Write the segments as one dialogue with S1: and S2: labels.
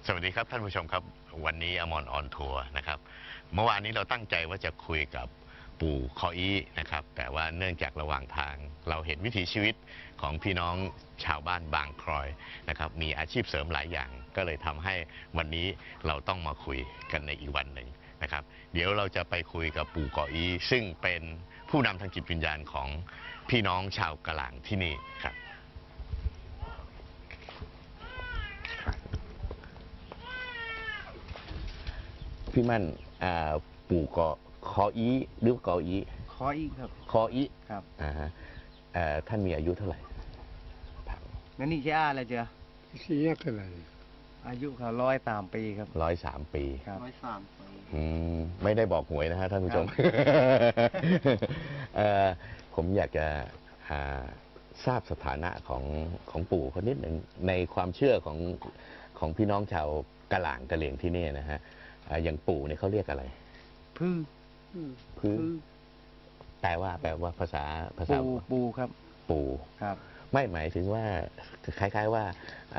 S1: สวัสดีครับท่านผู้ชมครับวันนี้อมรออนทัวร์นะครับเมื่อวานนี้เราตั้งใจว่าจะคุยกับปู่คออีนะครับแต่ว่าเนื่องจากระหว่างทางเราเห็นวิถีชีวิตของพี่น้องชาวบ้านบางครอยนะครับมีอาชีพเสริมหลายอย่างก็เลยทำให้วันนี้เราต้องมาคุยกันในอีกวันหนึ่งนะครับเดี๋ยวเราจะไปคุยกับปู่คออีซึ่งเป็นผู้นำทางจิตวิญญาณของพี่น้องชาวกะหล่างที่นี่ครับพี่มั่นปู่กอคออีหรือกออี
S2: ขออีกครับ
S1: คออี
S2: ครับ
S1: ฮะท่านมีอายุเท่าไหร่
S2: งั้นนี่แค่อะไรเจ้า
S3: สี่ยกันเลย
S2: อายุเขา103 ปีครับ
S1: 103 ปี
S2: ครับ103 ปี
S1: ไม่ได้บอกหวยนะฮะท่านผู้ชม ผมอยากจะทราบสถานะของปู่คนนิดหนึ่งในความเชื่อของพี่น้องชาวกะหล่างกะเหลี่ยงที่นี่นะฮะอย่างปู่เนี่ยเขาเรียกอะไร
S2: พื้
S1: แปลว่าภาษา
S2: ปูครับ
S1: ปู่
S2: ครับ
S1: ไม่หมายถึงว่าคล้ายๆว่า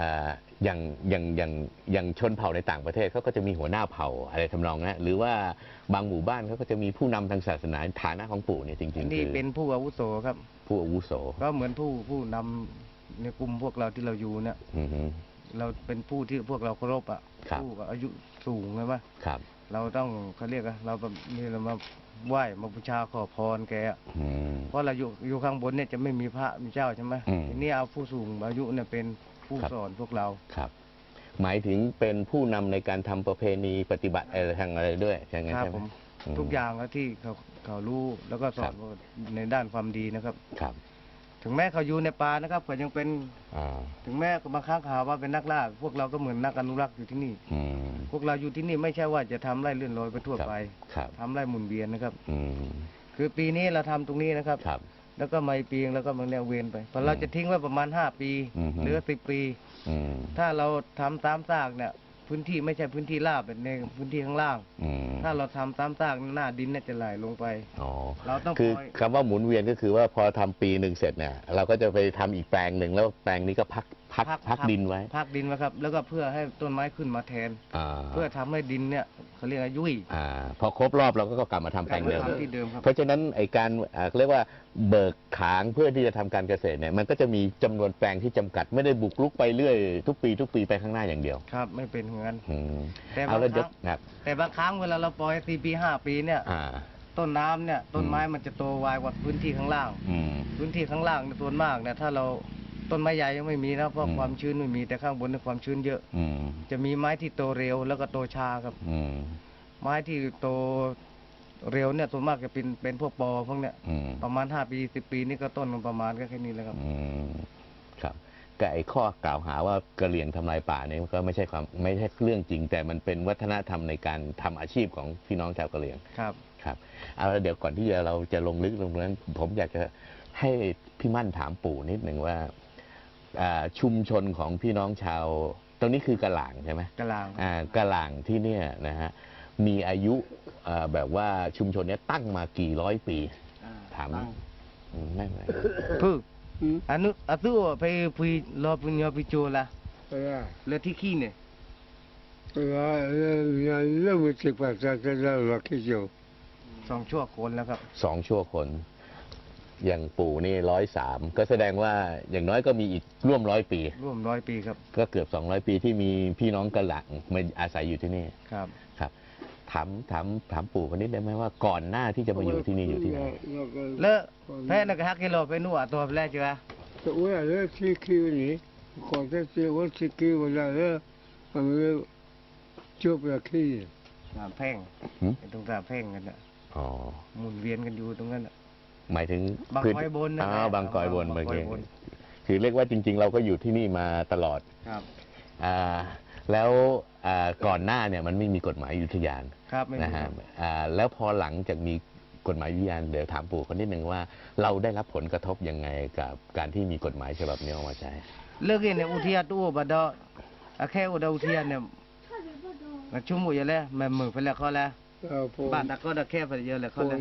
S1: อย่างชนเผ่าในต่างประเทศเขาก็จะมีหัวหน้าเผ่าอะไรทำนองนั้นหรือว่าบางหมู่บ้านเขาก็จะมีผู้นำทางศาสนาฐานะของปู่เนี่ยจริงๆ
S2: นี่เป็นผู้อาวุโสครับ
S1: ผู้อาวุโส
S2: ก็เหมือนผู้นำในกลุ่มพวกเราที่เราอยู่เนี่ยเราเป็นผู้ที่พวกเราเคารพผู้อายุสูงใช่ไหม
S1: ครับ
S2: เราต้องเขาเรียกเราแบบนี่เรามาไหว้มาบูชาขอพรแกเพราะเราอยู่ข้างบนเนี่ยจะไม่มีพระมีเจ้าใช่ไหมทีนี้เอาผู้สูงอายุเนี่ยเป็นผู้สอนพวกเรา
S1: ครับหมายถึงเป็นผู้นำในการทำประเพณีปฏิบัติอะไรทางอะไรด้วยใช่ไหมครับผม
S2: ทุกอย่างที่เขารู้แล้วก็สอนในด้านความดีนะครับ
S1: ครับ
S2: ถึงแม้เขาอยู่ในป่านะครับเขายังเป็นถึงแม้บางครั้งข่าวว่าเป็นนักล่าพวกเราก็เหมือนนักอนุรักษ์อยู่ที่นี่พวกเราอยู่ที่นี่ไม่ใช่ว่าจะทำไร่เลื่อนลอยไปทั่วไปทำไร่หมุนเวียนนะครับคือปีนี้เราทำตรงนี้นะครับแล้วก็ไม่ปีงแล้วก็มันแนวเวียนไปพอเราจะทิ้งไว้ประมาณ5 ปีหรือ10 ปีถ้าเราทำตามซากเนี่ยพื้นที่ไม่ใช่พื้นที่ราบเป็นในพื้นที่ข้างล่างถ้าเราทำตามซากหน้าดินน่าจะไหลลงไปเราต้อง
S1: คือคำว่าหมุนเวียนก็คือว่าพอทำปีหนึ่งเสร็จเนี่ยเราก็จะไปทำอีกแปลงหนึ่งแล้วแปลงนี้ก็พักดินไว้
S2: พักดินไว้ครับแล้วก็เพื่อให้ต้นไม้ขึ้นมาแทนเพื่อทำให้ดินเนี่ยเขาเรียกยุ่ย
S1: พอครบรอบเราก็กลับมาทำแปลงเดิมเพราะฉะนั้นไอการเรียกว่าเบิกขางเพื่อที่จะทำการเกษตรเนี่ยมันก็จะมีจำนวนแปลงที่จำกัดไม่ได้บุกรุกไปเรื่อยทุกปีไปข้างหน้าอย่างเดียว
S2: ครับไม่เป็นอย่างนั้น
S1: แต่
S2: บางครั้งเวลาเราปล่อย4 ปี 5 ปีเนี่ยต้นน้ำเนี่ยต้นไม้มันจะโตไวกว่าพื้นที่ข้างล่างพื้นที่ข้างล่างในส่วนมากเนี่ยถ้าเราต้นไม้ใหญ่ยังไม่มีนะเพราะความชื้นไม่มีแต่ข้างบนเนี่ยความชื้นเยอะจะมีไม้ที่โตเร็วแล้วก็โตช้าครับไม้ที่โตเร็วเนี่ยส่วนมากจะเป็นพวกปอพวกเนี้ยประมาณ5 ปี 10 ปีนี่ก็ต้นมันประมาณแค่นี้แหละครับ
S1: ครับแต่ไอ้ข้อกล่าวหาว่ากะเหรี่ยงทำลายป่าเนี่ยก็ไม่ใช่เรื่องจริงแต่มันเป็นวัฒนธรรมในการทำอาชีพของพี่น้องชาวกะเหรี่ยง
S2: ครับ
S1: เอาเดี๋ยวก่อนที่เราจะลงลึกลงนั้นผมอยากจะให้พี่มั่นถามปู่นิดหนึ่งว่าชุมชนของพี่น้องชาวตรงนี้คือกะหล่างใช่ไหม
S2: กะหล่าง
S1: กะหล่างที่เนี่ยนะฮะมีอายุแบบว่าชุมชนนี้ตั้งมากี่ร้อยปีถามไม่ไหม
S2: พึ่งอันนู้ไปคุยรอปุญญาปิโจละเลือที่ขี้เนี่ย
S3: เรื่องมันจะภาษาจะเล่าว่าขี้โจ
S2: 2 ชั่วคนแล้วครับ
S1: 2 ชั่วคนอย่างปู่นี่103ก็แสดงว่าอย่างน้อยก็มีอีกร่วม100 ปี
S2: ร่วม100 ปีครับ
S1: ก็เกือบ200 ปีที่มีพี่น้องกะหล่างมาอาศัยอยู่ที่นี่
S2: ครับ
S1: ถามปู่คนนี้ได้ไหมว่าก่อนหน้าที่จะมาอยู่ที่นี่อยู่ที่ไหน
S2: เลอะแพ้นักฮักกิโลไปนู่นตัวแรกจ้ะ
S3: ตัวเลอะที่คิวนี่ก่อนที่ว่าที่คิวแล้วมันจบแล้วขี้
S2: แพงตรงตาแพงกันน่ะหมุนเวียนกันอยู่ตรงนั้น
S1: หมายถึง
S2: บางกอยบน
S1: บางกอยบนคือเรียกว่าจริงๆเราก็อยู่ที่นี่มาตลอด
S2: ครับ
S1: แล้วก่อนหน้าเนี่ยมันไม่มีกฎหมายอุทยานนะฮะแล้วพอหลังจากมีกฎหมายอุทยานเดี๋ยวถามปู่คนนิดหนึ่งว่าเราได้รับผลกระทบยังไงกับการที่มีกฎหมายฉบับนี้ออกมาใช้
S2: เลิกเนี่ยอุทยานตู้บัดดอแค่อุทยานเนี่ยชุ่มอยู่แล้วแม่มือไปแล้วเขาแล้วบ้านตะก็ตะแค่ไปเยอะเลยเขาเลย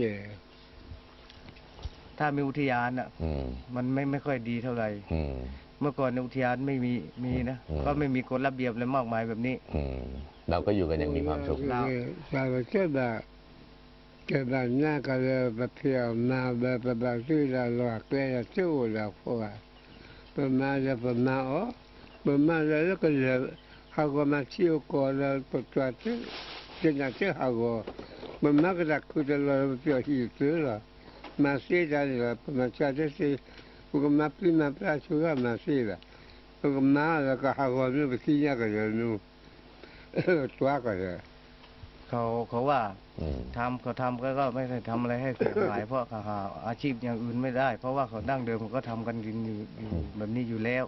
S2: ถ้ามีอุทยานอ่ะมันไม่ค่อยดีเท่าไหร่เมื่อก่อนในอุทยานไม่มีนะก็ไม่มีกฎระเบียบอะไรมากมายแบบนี้
S1: เราก็อยู่กันอย่างมีความสุข
S3: que banana le papia na ba ba tu la lo que ya tu la fora pa ma la pa ma o pa ma la que le hago ma ti o ko la po tua te que na te hago pa ma que la ku de la pio hi tu la ma si da la pa ma cha de si ko ma prima pra chu ga ma si la ko ma la ka hago no que si ya que no tua que
S2: เขาว่าเขาทำก็ไม่ได้ทำอะไรให้เสียหายเพราะเขาหาอาชีพอย่างอื่นไม่ได้ เพราะว่าเขาดั้งเดิมเขาก็ทำกันอยู่แบบนี้อยู่แล้ว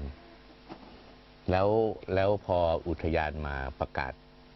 S1: แล้วพออุทยานมาประกาศ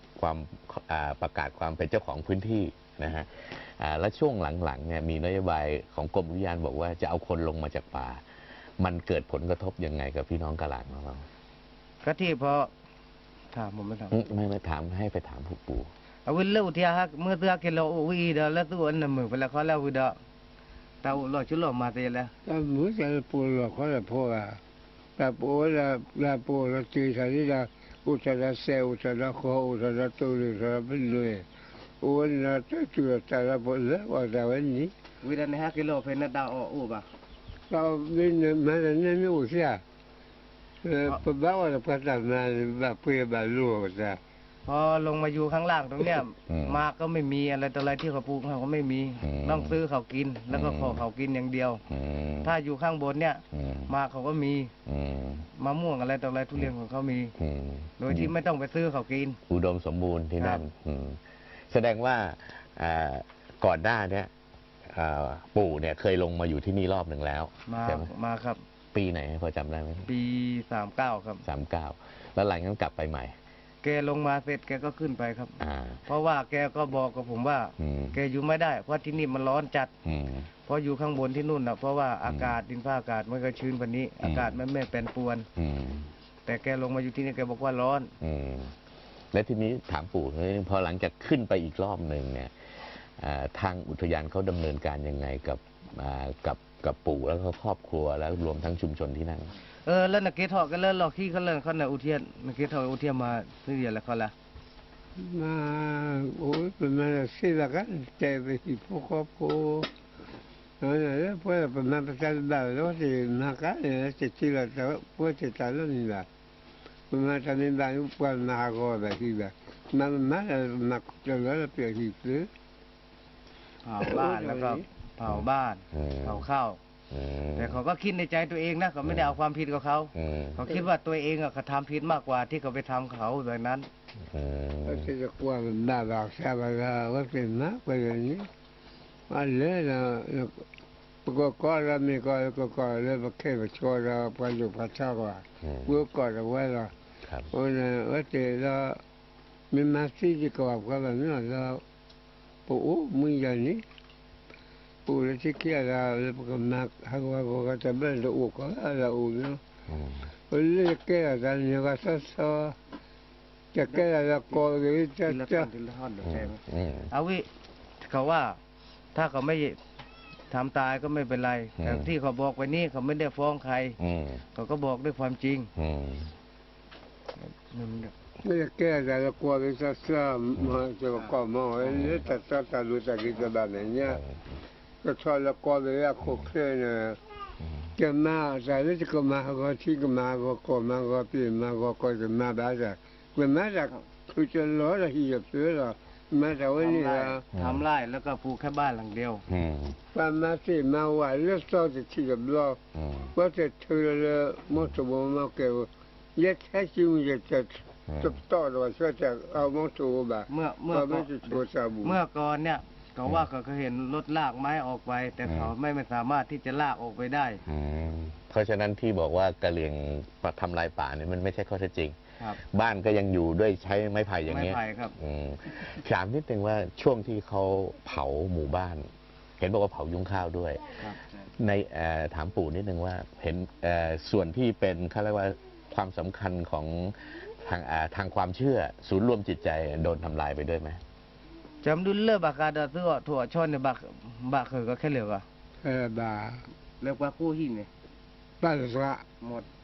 S1: ความเป็นเจ้าของพื้นที่นะฮะแล้วช่วงหลังๆเนี่ยมีนโยบายของกรมอุทยานบอกว่าจะเอาคนลงมาจากป่ามันเกิดผลกระทบยังไงกับพี่น้องกะหลางของเรา
S2: ก็ที่พอถามผมไม่ถาม
S1: ไม่ถามให้ไปถามผู้ปู่
S2: เอาวิลเล่อุทยานเมื่อตัวกิโลวิดาแล้วตัวนั้นมือไปแล้วเขาแล้ววิดาตาอุลอชุลมาเตแล้ว
S3: แต่มือจะปูหลอกเขาจะพูดอะแต่ปูละปูละจีสันนี่ละอุตระเซอุตระโคอุตระตุลิอุตระเป็นเลยอุนละจะจุดแต่ละปูละว่าแต่วันนี้
S2: วิดาใน5 กิโลเป็นนัดดาวอุบะ
S3: เราไม่มันไม่อุเสียปะบ้าว่าจะพัฒนาแบบเพื่อแบบรู้จ้ะ
S2: พอลงมาอยู่ข้างล่างตรงเนี้ยมาก็ไม่มีอะไรต่ออะไรที่เขาปลูกเขาก็ไม่มีต้องซื้อเขากินแล้วก็ขอเขากินอย่างเดียวถ้าอยู่ข้างบนเนี่ยมาเขาก็มีมะม่วงอะไรต่ออะไรทุเรียนของเขามีโดยที่ไม่ต้องไปซื้อเขากิน
S1: อุดมสมบูรณ์ที่นั่นแสดงว่าก่อนหน้านี้ปู่เนี่ยเคยลงมาอยู่ที่นี่รอบหนึ่งแล้ว
S2: มาครับ
S1: ปีไหนพอจำได้ไหม
S2: ปี39ครับ
S1: 39แล้วหลังนั้นกลับไปใหม่
S2: แกลงมาเสร็จแกก็ขึ้นไปครับเพราะว่าแกก็บอกกับผมว่าแกอยู่ไม่ได้เพราะที่นี่มันร้อนจัดเพราะอยู่ข้างบนที่นู่นนะเพราะว่าอากาศดินฟ้าอากาศมันก็ชื้นกว่านี้อากาศมันไม่เป็นปวนแต่แกลงมาอยู่ที่นี่แกบอกว่าร้อน
S1: และทีนี้ถามปู่พอหลังจากขึ้นไปอีกรอบหนึ่งเนี่ยทางอุทยานเขาดำเนินการยังไงกับปู่แล้วก็ครอบครัวแล้วรวมทั้งชุมชนที่นั่น
S2: แล้วนักเก็ตทอกันแล้วเราขี้เขาเล่นเขาในอุทยานนักเก็ตทออุทยานมาซื้อเดียวแล้วเขาละ
S3: มาโอ้ยเป็นมาซื้อละกันแต่ไปที่พวกครอบครัวแล้วพอเป็นมาประชาชนแบบแล้วที่มากันเนี่ยจะที่ละแต่พวกที่ตาลุ่นนี่แบบเป็นมาทำในบ้านอุปกรณ์มาก็แบบที่แบบมาจะแล้วเปลี่ยนที่ซื้อ
S2: เผาบ้านแล้วก็เผาบ้านเผาข้าวแต่เขาก็คิดในใจตัวเองนะเขาไม่ได้เอาความผิดกับเขาเขาคิดว่าตัวเองเขาทำผิดมากกว่าที่เขาไปทำเขาแบบนั้น
S3: ที่จะกลัวมันด่าบอกแซ่บว่าเป็นมากไปอย่างนี้อันเลยนะก็เรามีก็เลยมาแค่มาช่วยเราไปอยู่พัชกว่าเมื่อก่อนเอาไว้ละโอ้ยว่าแต่เรามีมาซีที่กว่าก็แบบนี้เราปู่มึงอย่างนี้ปู่ที่เกี่ยเราเลยก็นักหากว่าก็จะเป็นเราอุกก็เราอุเนาะเลยแก่กันเนี่ยก็ซ้อจะแก่เราโกงเลยจะ
S2: เอาวิเขาว่าถ้าเขาไม่ทำตายก็ไม่เป็นไรแต่ที่เขาบอกไปนี่เขาไม่ได้ฟ้องใครเขาก็บอกด้วยความจริง
S3: ไม่แก่เราโกงเลยซ้อมาจะก็มองเลยแต่ซ้อรู้จักกิจแบบนี้ก็ชอบละครเลยอะโคเคเนี่ยจะมาแต่แล้วจะก็มาก็ที่ก็มาก็มาก็ปีมาก็จะมาได้จ้ะเป็นมาจากคือจะล้อละที่จะซื้อละมาจากวันนี้ละ
S2: ทำไร่แล้วก็ปลูกแค่บ้านหลังเดียว
S3: ประมาณสิมาว่าเลือกต่อจะที่กับล้อว่าจะเธอละมอสโบมาเกี่ยวยัดแค่ชิมจะต่อว่าจะเอามอสโบแบบ
S2: เมื่อก่อนเนี่ยเขาว่าเขาเห็นรถลากไม้ออกไปแต่เขาไม่สามารถที่จะลากออกไปได้
S1: เพราะฉะนั้นที่บอกว่ากะเหรี่ยงทำลายป่าเนี่ยมันไม่ใช่ข้อเท็จจริงบ้านก็ยังอยู่ด้วยใช้ไม้ไผ่อย่างนี้
S2: ไม้ไผ่ครับ
S1: ถามนิดนึงว่าช่วงที่เขาเผาหมู่บ้านเห็นบอกว่าเผายุ้งข้าวด้วยในถามปู่นิดนึงว่าเห็นส่วนที่เป็นเขาเรียกว่าความสำคัญของทางความเชื่อศูนย์รวมจิตใจโดนทำลายไปด้วยไหม
S2: จำดุลเลิกบากาดาซื้อถั่วช่อนในบากเคยก็แค่เหลือก็
S3: บา
S2: เลิกว่ากู้หินเนี่ย
S3: บ้านสระ
S2: หมด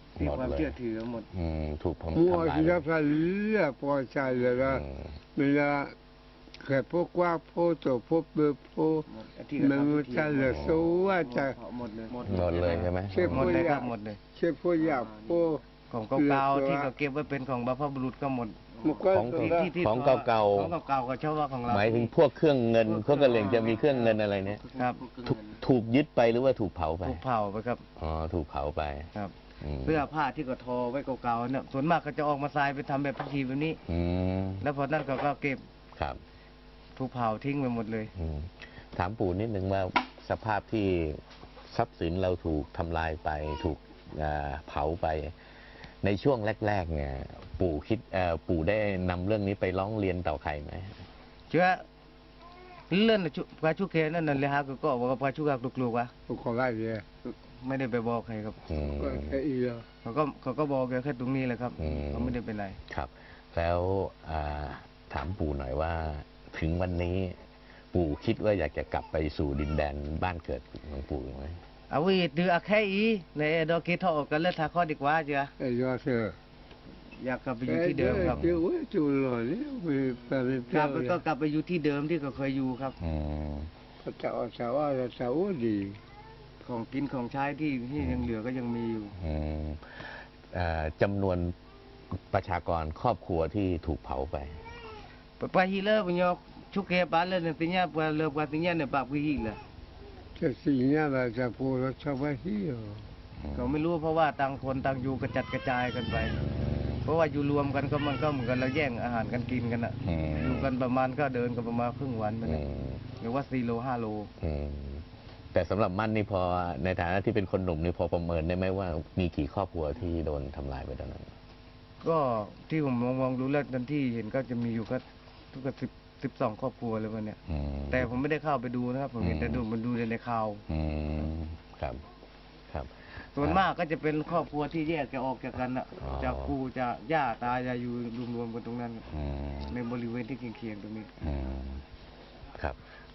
S2: ที่ความเชื่อถือหมด
S1: ถูกผม
S3: มัว
S1: ทำลาย
S3: ที่
S1: เล
S3: เรา
S1: ย
S3: พเลือกพอใจเลยละเวลาแค่พวกว่าพวกตัวพวกเบอร์พวก
S2: หมดที่
S3: มันจะเหลือสู้ว่าจะ
S2: หมดเลย
S1: หมดเลยใช่ไหม
S3: เชื่อ
S2: หมดเลยครับหมดเลย
S3: เชื่อพวกอยากพวก
S2: ของเก่าๆที่เขาเก็บไว้เป็นของบรรพบุรุษก็หมด
S3: มันก็
S1: ของ
S2: ที่
S1: ของเก่า
S2: ของเก่าๆก็เฉพาะของเรา
S1: ๆหมายถึงพวกเครื่องเงินพวกกระเหลี่ยงจะมีเครื่องเงินอะไรเนี่ย
S2: ครับ
S1: ถูกยึดไปหรือว่าถูกเผาไป
S2: ถูกเผาไปครับ
S1: อ๋อถูกเผาไป
S2: ครับ
S1: ม
S2: เสื้อผ้าที่ก็ทอไว้เก่าๆเนี่ยส่วนมากก็จะออกมาทรายไปทำแบบพิธีแบบนี้
S1: อืม
S2: แล้วพอนั้นก็เก็บ
S1: ครับ
S2: ถูกเผาทิ้งไปหมดเลย
S1: อืมถามปู่นิดนึงว่าสภาพที่ทรัพย์สินเราถูกทำลายไปถูกเผาไป ในช่วงแรก ๆ เนี่ย ปู่ได้นำเรื่องนี้ไปร้องเรียนต่อใครไหม
S2: เชื่อเลื่อนปลาชุกเคนั่นน่ะเลยฮะก็บอกว่าปลาชุกกกลัวๆวะ
S3: พวกเขาได้เลย
S2: ไม่ได้ไปบอกใครครับ
S1: อืม
S3: ก็แค่อีกแล้ว
S2: เขาก็บอกแค่ตรงนี้แหละครับ
S1: อืม
S2: เขาไม่ได้เป็นไร
S1: ครับ แล้วถามปู่หน่อยว่า ถึงวันนี้ ปู่คิดว่าอยากจะกลับไปสู่ดินแดนบ้านเกิดของปู่ไหม
S2: เอาวิดืออาแค่อีในดอกเกทออกกันแล้วทาข้อดีกว่าเจ้า
S3: ไอ้ยอดเสือ
S2: อยากกลับไปอยู่ที่เดิมครับ
S3: เจ้าจูหล่อนี่ไปเป็น
S2: กลั
S3: เจ้า
S2: บไปก็กลับไปอยู่ที่เดิมที่เขาเคยอยู่ครับ
S1: อืม
S3: พระเจ้าสาวสาวดี
S2: ของกินของใช้ที่ยังเหลือก็ยังมีอยู่
S1: อืมจำนวนประชากรครอบครัวที่ถูกเผาไป
S2: ไปฮีเลอร์ปุญญชุกเกปาเลนติญญาปเลปาติญญาเนี่ยปาปุฮีเลย
S3: จะสิ่งนี้เราจะพูดชาวบ้านที่
S2: เขาไม่รู้เพราะว่าต่างคนต่างอยู่กระจัดกระจายกันไป เพราะว่าอยู่รวมกันก็มันก็เหมือนกันเราแย่งอาหารกันกินกันอ่ะ
S1: อืม
S2: อยู่กันประมาณก็เดินกันประมาณครึ่งวันไป
S1: อื
S2: นะ
S1: ม
S2: หรือว่า4 โล 5 โล
S1: อืมแต่สำหรับมั่นนี่พอในฐานะที่เป็นคนหนุ่มนี่พอประเมินได้ไหมว่ามีกี่ครอบครัวที่โดนทำลายไปตอนนั้น
S2: ก็ที่ผมมองดูแล้วทันที่เห็นก็จะมีอยู่ก็ทุก12 ครอบครัวเลยวันเนี้ย
S1: อืม
S2: แต่ผมไม่ได้เข้าไปดูนะครับผมเห็นแต่ดูในข่าว
S1: อืมครับ ครับ
S2: ส่วนมากก็จะเป็นครอบครัวที่แยกจะออกจากกันอ่ะ
S1: อ๋อ
S2: จากปู่จะย่าตาจะอยู่รวมๆกันตรงนั้น
S1: อืม
S2: ในบริเวณที่เคียงๆตรงนี้
S1: อืมครับ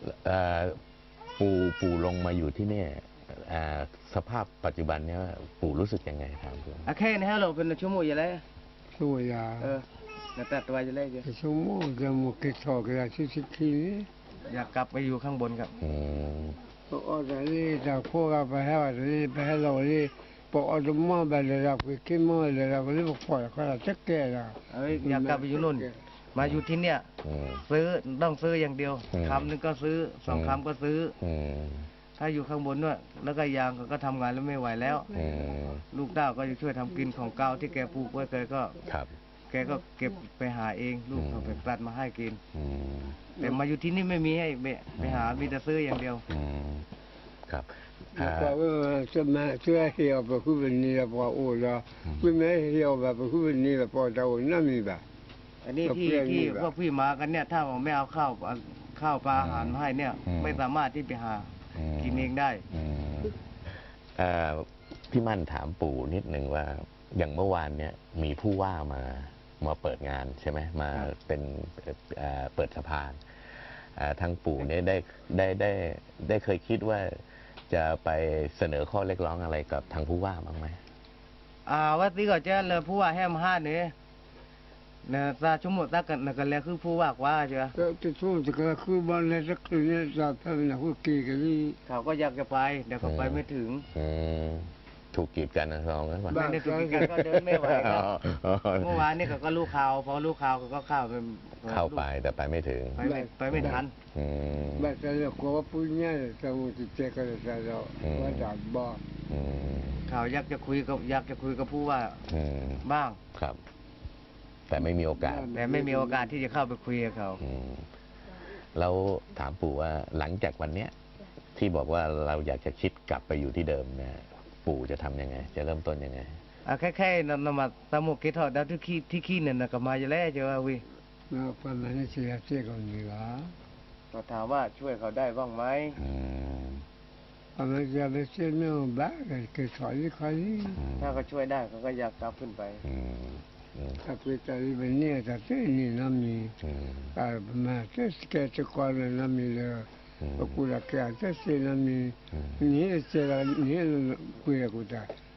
S1: ปู่ลงมาอยู่ที่เนี่ยสภาพปัจจุบันเนี่ยปู่รู้สึกยังไงครับ
S2: อะแค่นี้ฮะเราเป็นชั่วโมงอยู่แล้ว
S3: ตัวยา
S2: แต่ตัดตัวอยู่แล้วจ้ะ
S3: ชั่วโมงจะมุกทอกระชิชิคีนี่
S2: อยากกลับไปอยู่ข้างบนครับ
S1: อืม
S3: พอตอนนี้จากพวกเราไปให้วันนี้ไปให้เรานี่พออดมอไปเลยเราไปกินมอเลยเราก็เลยบอกปล่อยเขาจะแก่เรา
S2: อยากกลับไปอยู่นู่น มาอยู่ที่เนี่ย
S1: อืม
S2: ต้องซื้ออย่างเดียว
S1: อืม
S2: คำหนึงก็ซื้อ2 คำก็ซื้อ
S1: อืม
S2: ถ้าอยู่ข้างบนด้วยแล้วก็ยางก็ทำงานแล้วไม่ไหวแล้ว
S1: อืม
S2: ลูกเต้าก็จะช่วยทำกินของเก่าที่แกปลูกไว้แกก็
S1: ครับ
S2: แกก็เก็บไปหาเองลูกเขาไปตัดมาให้กิน
S1: อืม
S2: แต่มาอยู่ที่นี่ไม่มีให้ไปหามีแต่ซื้ออย่างเดียว
S1: อืมครับ
S3: แล้วก็จะมาช่วยเหี่ยวไปคู่เป็นนี่แล้วพอโอ้เราคุณแม่เหี่ยวแบบคู่เป็นนี่แล้วพอเรานั่นมีแบบ
S2: อันนี้ที่
S3: แล้วเพื่อนนี่
S2: ที่
S3: แบบ
S2: พวกพี่มากันเนี่ย ถ้าผมไม่เอาข้าวปลาอาหารมาให้เนี่ย ไม่สามารถที่ไปหากินเองได้
S1: อืมพี่มั่นถามปู่นิดนึงว่า อย่างเมื่อวานเนี่ยมีผู้ว่ามาเปิดงานใช่ไหมมา
S2: ครับ
S1: เป็นเปิดสะพานทางปู่เนี่ยได้เคยคิดว่าจะไปเสนอข้อเรียกร้องอะไรกับทางผู้ว่าบ้างไหม
S2: ว่าที่ก็จะเลยผู้ว่าแฮมห้าเนี่ยนะซาชั่วโมงตากันนะกันแล้วคือผู้ว่ากว่าเจ้า
S3: ก็จะช่วยจะก็คือบ้านในสักคืนนี้จะทำนะคู่กีกันนี่
S2: เขาก็อยากจะไปเดี๋ยวเขาไปไม่ถึง
S1: อืมถูกกีดกันนะรองนะ
S2: ไม่ได้ถึงกันก็เดินไม่ไหวครับเมื่อวานนี่เขาก็รู้ข่าวพอรู้ข่าวเขาก็เข้าไป
S1: เข้าไปแต่ไปไม่ถึง
S2: ไปไม่ทัน
S1: อืม
S3: บ้านเราก็ว่าพูดง่ายแต่ว่าจะเจอกันเราว่าดับบ้า
S1: อืม
S2: ข่าวอยากจะคุยกับผู้ว่า
S1: อืม
S2: บ้าง
S1: ครับ แต่ไม่มีโอกาส
S2: แต่ไม่มีโอกาสที่จะเข้าไปคุยกับเขา
S1: อืมแล้วถามปู่ว่าหลังจากวันเนี้ย ที่บอกว่าเราอยากจะคิดกลับไปอยู่ที่เดิมเนี่ยปู่จะทำยังไง จะเริ่มต้นยังไง
S2: แค่นำมาตามกเกทอดดาวที่ขี้เนี่ยนะก็มาอยู่แล้วเจ้าวิ
S3: แล้วปัญหาเสียเสียกันนี่ละ
S2: ก็ถามว่าช่วยเขาได้บ้างไหม
S1: อืม
S3: ปัญหาเสียเสียไม่บ้ากันคือสอนที่ใคร
S2: ถ้าเขาช่วยได้เขาก็อยากกลับขึ้นไป
S1: อืมอืม
S3: ถ้าไปตายเป็นเนี่ยถ้าเส้นนี่น้ำมี
S1: อืม
S3: แต่มาเส้นแกจะก่อนน้ำมีเลยก็กูละแกจะเส้นน้ำมีนี่เสียนี่คุยกับกูได้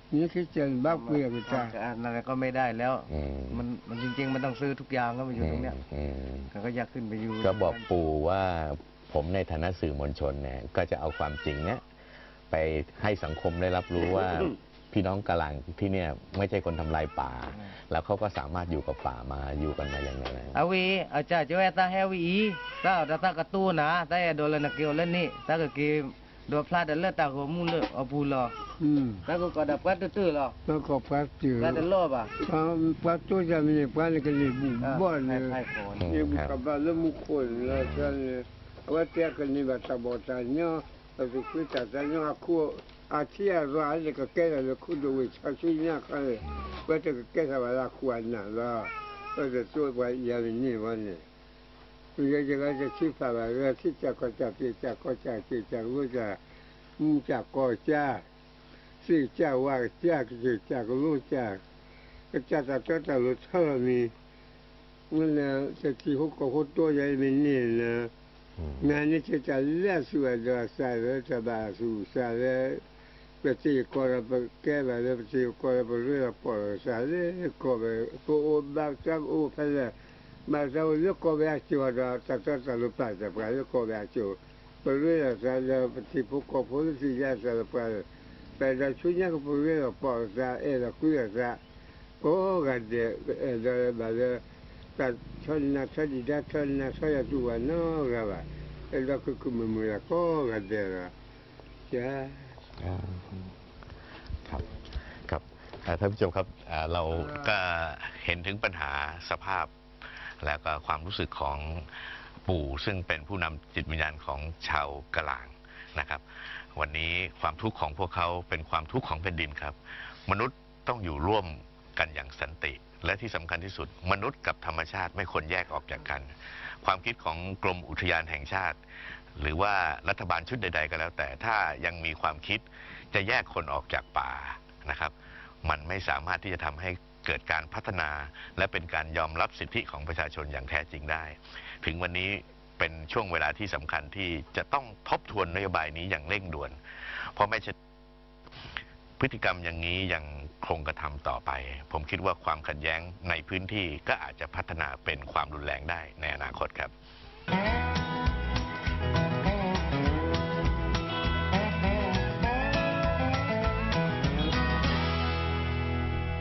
S3: นี่คิดเจนบ้าเปลี่ยนจ้า
S2: อะไรก็ไม่ได้แล้วมันจริงๆมันต้องซื้อทุกอย่างก็มาอยู่ตรงเนี้ยก็อยากขึ้นไปอยู่
S1: ก็บอกปู่ว่าผมในฐานะสื่อมวลชนเนี่ยก็จะเอาความจริงเนี่ยไปให้สังคมได้รับรู้ว่า พี่น้องกะหลังที่เนี่ยไม่ใช่คนทำลายป่า แล้วเขาก็สามารถอยู่กับป่ามาอยู่กันมาอย่างไร
S2: อาวีอาจารย์จะว่าตาแฮวีถ้าตากระตู้นะแต่โดนนักเกี่ยวเล่นนี่ถ้าก็เกมโดนพลาดเลือดตาหัวมุ้งเลือดเอาปูหรอถ้าก็ดับกัดตื้อหรอ
S3: แล้วก็พัดตื้อ
S2: แล้วจะลบอ่ะ
S3: พัดตู้จะมีพัดกันนี่บุบบ้านเนี่ยนี่บุกบ้านแล้วมุขคนแล้วฉันเนี่ยว่าเจ้ากันนี่แบบตาบอดตาเนาะแล้วก็คุยตาเนาะคู่อาเทียร้านเลยก็แก่แล้วคู่ดูวิชาชีเนี่ยเขาเลยว่าจะแก่สบายละควรน่ะแล้วก็จะช่วยไปอย่างนี้วันนี้จะคิดอะไรที่จะก็จะที่จะก็จะที่จะรู้จะมุ่งจะก็จะสิ่งจะว่าจะที่จะก็รู้จะก็จะรู้เท่านี้มันเนี่ยจะที่เขาก็เขาตัวใหญ่ไม่เนี่ยนะงานนี้จะเลี้ยสวยจะใส่แล้วจะบาสูใส่แล้วไปที่ก็เราไปแก้ไปแล้วไปที่ก็เราไปเรื่อยปล่อยใส่แล้วก็ไปโอ้บ้าจังโอ้ไปเลยมาเราเลือกก็แบบชัวร์จะลุกไปจะไปเลือกก็แบบชัวร์ไปเรื่อยจะที่พวกก็พูดที่จะไปแต่เราช่วยเนี่ยก็ไปเรื่อยปล่อยจะเราคุยจะโอ้กันเดี๋ยวแบบแต่ชนนะชนดีได้ชนนะชนตัวน้องเราอะเราก็คุมมือก็กันเดี๋ยวจ้า
S1: ครับครับท่านผู้ชมครับเราก็เห็นถึงปัญหาสภาพแล้วก็ความรู้สึกของปู่ซึ่งเป็นผู้นำจิตวิญญาณของชาวกะหลางนะครับวันนี้ความทุกข์ของพวกเขาเป็นความทุกข์ของแผ่นดินครับมนุษย์ต้องอยู่ร่วมกันอย่างสันติและที่สำคัญที่สุดมนุษย์กับธรรมชาติไม่ควรแยกออกจากกันความคิดของกรมอุทยานแห่งชาติหรือว่ารัฐบาลชุดใดๆก็แล้วแต่ถ้ายังมีความคิดจะแยกคนออกจากป่านะครับมันไม่สามารถที่จะทำให้เกิดการพัฒนาและเป็นการยอมรับสิทธิของประชาชนอย่างแท้จริงได้ถึงวันนี้เป็นช่วงเวลาที่สำคัญที่จะต้องทบทวนนโยบายนี้อย่างเร่งด่วนเพราะไม่ใช่พฤติกรรมอย่างนี้ยังคงกระทำต่อไปผมคิดว่าความขัดแย้งในพื้นที่ก็อาจจะพัฒนาเป็นความรุนแรงได้ในอนาคตครับ